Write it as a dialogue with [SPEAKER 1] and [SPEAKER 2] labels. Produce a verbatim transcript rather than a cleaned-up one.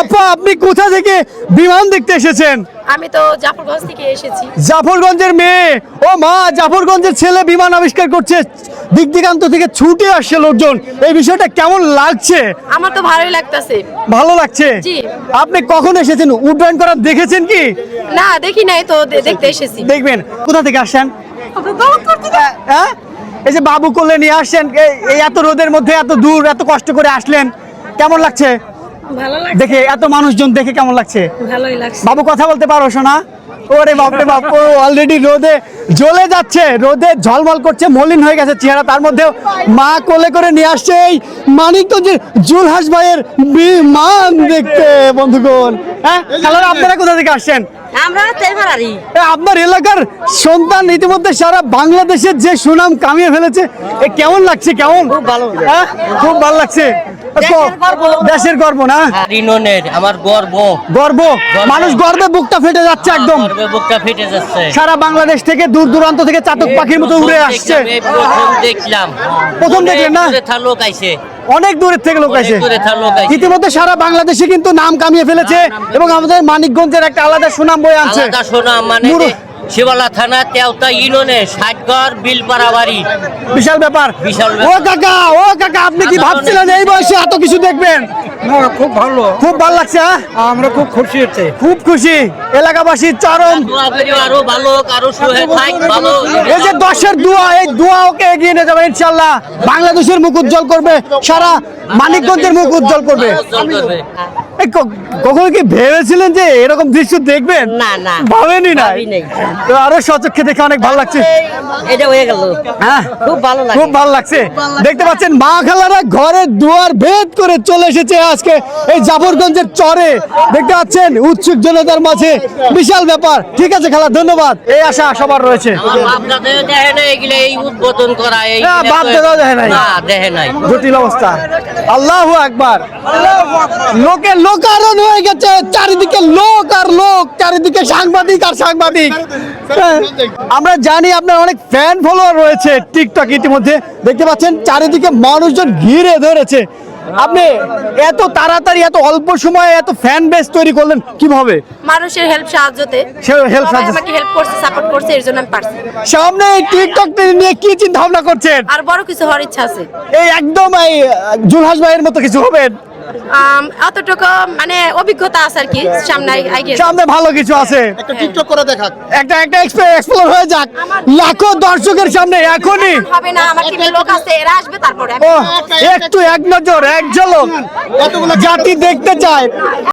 [SPEAKER 1] আপা আপনি কোথা থেকে বিমান দেখতে এসেছেন?
[SPEAKER 2] আমি তো জাফরগঞ্জ থেকে এসেছি।
[SPEAKER 1] জাফরগঞ্জের মেয়ে, ও মা, জাফরগঞ্জের ছেলে বিমান আবিষ্কার করছে, দিক দিগান্ত থেকে ছুটে আসছে লোকজন। এই বিষয়টা কেমন লাগছে?
[SPEAKER 2] আমার তো ভালোই লাগতেছে।
[SPEAKER 1] ভালো লাগছে।
[SPEAKER 2] জি।
[SPEAKER 1] আপনি কখন এসেছেন? উড্ডয়ন করা দেখেছেন কি?
[SPEAKER 2] না দেখি নাই তো, দে- দেখতে এসেছি।
[SPEAKER 1] দেখবেন। কোথা থেকে আসছেন? হ্যাঁ, এই যে বাবু কোলে নিয়ে আসছেন, এই- এই এত রোদের মধ্যে এত দূর এত কষ্ট করে আসলেন, কেমন লাগছে
[SPEAKER 2] ভালো
[SPEAKER 1] দেখে? এত মানুষজন দেখে কেমন লাগছে?
[SPEAKER 2] ভালোই লাগছে।
[SPEAKER 1] বাবু কথা বলতে পারো শোনা? ওরে বাপরে বাপ, ও অলরেডি রোদে জ্বলে যাচ্ছে, রোদে ঝলমল করছে, মলিন হয়ে গেছে চেহারা, তার মধ্যেও মা কোলে করে নিয়ে আসছে এই মানিকগঞ্জের জুলহাস ভাইয়ের বিমান দেখতে। বন্ধুগণ, হ্যাঁ খালারা, আপনারা কোথা থেকে আসছেন?
[SPEAKER 2] আমরা তেলমারি।
[SPEAKER 1] এ, আপনার এলাকার সন্তান ইতিমধ্যে সারা বাংলাদেশের যে সুনাম কামিয়ে ফেলেছে, এ কেমন লাগছে? কেমন?
[SPEAKER 2] খুব ভালো।
[SPEAKER 1] হ্যাঁ, খুব ভালো লাগছে।
[SPEAKER 2] দেশের গর্ব।
[SPEAKER 1] দেশের গর্ব না?
[SPEAKER 3] রিননের আমার গর্ব
[SPEAKER 1] গর্ব, মানুষ গর্বে বুকটা ফেটে যাচ্ছে একদম।
[SPEAKER 3] গর্বে বুকটা ফেটে যাচ্ছে।
[SPEAKER 1] সারা বাংলাদেশ থেকে দূর দূরান্ত থেকে চাতক পাখির মতো উড়ে
[SPEAKER 3] প্রথম
[SPEAKER 1] আসছে।
[SPEAKER 3] দেখলাম, এই প্রথম দেখলাম।
[SPEAKER 1] প্রথম
[SPEAKER 3] অনেক
[SPEAKER 1] দেখলেন না?
[SPEAKER 3] দূরে থাকা লোক আইছে।
[SPEAKER 1] অনেক দূরের থেকে লোক
[SPEAKER 3] অনেক
[SPEAKER 1] আসে।
[SPEAKER 3] দূরে থাকা লোক আইছে।
[SPEAKER 1] ইতিমধ্যে সারা বাংলাদেশে কিন্তু নাম কামিয়ে ফেলেছে এবং আমাদের মানিকগঞ্জের একটা আলাদা সুনাম বয়ে আনছে।
[SPEAKER 3] আলাদা শোনা মানে
[SPEAKER 1] মুরু-
[SPEAKER 3] শিবালা থানা তেওতা ইউনিয়নে ষাটগড় বিলপাড়া বাড়ি।
[SPEAKER 1] বিশাল ব্যাপার।
[SPEAKER 3] বিশাল
[SPEAKER 1] ও
[SPEAKER 3] ব্যাপার।
[SPEAKER 1] কাকা, ও কাকা, আপনি কি ভাবছিলেন এই বয়সে এত কিছু দেখবেন?
[SPEAKER 4] না খুব ভালো,
[SPEAKER 1] খুব ভালো লাগছে। হ্যাঁ?
[SPEAKER 4] আমরা খুব খুশি হচ্ছে।
[SPEAKER 1] খুব খুশি, এলাকাবাসীর চরম।
[SPEAKER 3] দোয়া করি আরো ভালো হোক, আরো সুহে থাক, ভালো।
[SPEAKER 1] এই যে দশের দোয়া, এই দোয়া ওকে এগিয়ে নিয়ে যাবে ইনশাল্লাহ। বাংলাদেশের মুখ উজ্জ্বল করবে, সারা মানিকগঞ্জের মুখ উজ্জ্বল করবে।
[SPEAKER 3] উজ্জ্বল করবে।
[SPEAKER 1] এই ক- কখনো কি ভেবেছিলেন যে এরকম দৃশ্য দেখবেন?
[SPEAKER 2] না, না।
[SPEAKER 1] ভাবেনি না?
[SPEAKER 2] ভাবি নাই।
[SPEAKER 1] তো আরো সচক্ষে দেখে অনেক ভালো লাগছে।
[SPEAKER 2] এটা হয়ে গেল।
[SPEAKER 1] হ্যাঁ,
[SPEAKER 2] খুব ভালো লাগে।
[SPEAKER 1] খুব ভালো লাগছে। দেখতে পাচ্ছেন মা খালারা ঘরের দুয়ার ভেদ করে চলে এসেছে আজকে এই জাফরগঞ্জের চরে। দেখতে পাচ্ছেন উৎসুক জনতার মাঝে, বিশাল ব্যাপার। ঠিক আছে খালা, ধন্যবাদ। এই আশা সবার রয়েছে।
[SPEAKER 3] আমার বাপ দাদা দেখে নাই এগুলো, এই উদ্বোধন করা এই
[SPEAKER 1] না, বাপ দাদাও দেখে নাই।
[SPEAKER 3] না, দেখে নাই।
[SPEAKER 1] জটিল অবস্থা। আল্লাহু আকবার। লোকে লোকারণ হয়ে গেছে, চারিদিকে লোক আর লোক, চারিদিকে সাংবাদিক আর সাংবাদিক। হ্যাঁ, আমরা জানি আপনার অনেক ফ্যান ফলোয়ার রয়েছে টিকটক। ইতিমধ্যে দেখতে পাচ্ছেন চারিদিকে মানুষজন ঘিরে ধরেছে। আপনি এত তাড়াতাড়ি এত অল্প সময়ে এত ফ্যান বেস তৈরি করলেন কিভাবে?
[SPEAKER 2] মানুষের হেল্প সাহায্যতে
[SPEAKER 1] সে হেল্প
[SPEAKER 2] সবাই আমাকে হেল্প করছে, সাপোর্ট করছে, এর জন্য আমি পারছি।
[SPEAKER 1] সামনে এই টিকটক নিয়ে কি চিন্তা ভাবনা করছেন?
[SPEAKER 2] আর বড় কিছু হওয়ার ইচ্ছা আছে।
[SPEAKER 1] এই একদম এই জুলহাস ভাইয়ের মতো কিছু হবেন?
[SPEAKER 2] আম, এতটুকু মানে অভিজ্ঞতা আছে আর কি, সামনে আগে।
[SPEAKER 1] সামনে ভালো কিছু আছে।
[SPEAKER 4] একটা টিকটক করে দেখা।
[SPEAKER 1] একটা একটা এক্সপ্লোর হয়ে যাক লাখো দর্শকের সামনে এখনই।
[SPEAKER 2] হবে না, আমার টিমে লোক আছে, এরা আসবে তারপরে।
[SPEAKER 1] ও একটু এক নজর এক ঝলক জাতি দেখতে চায়।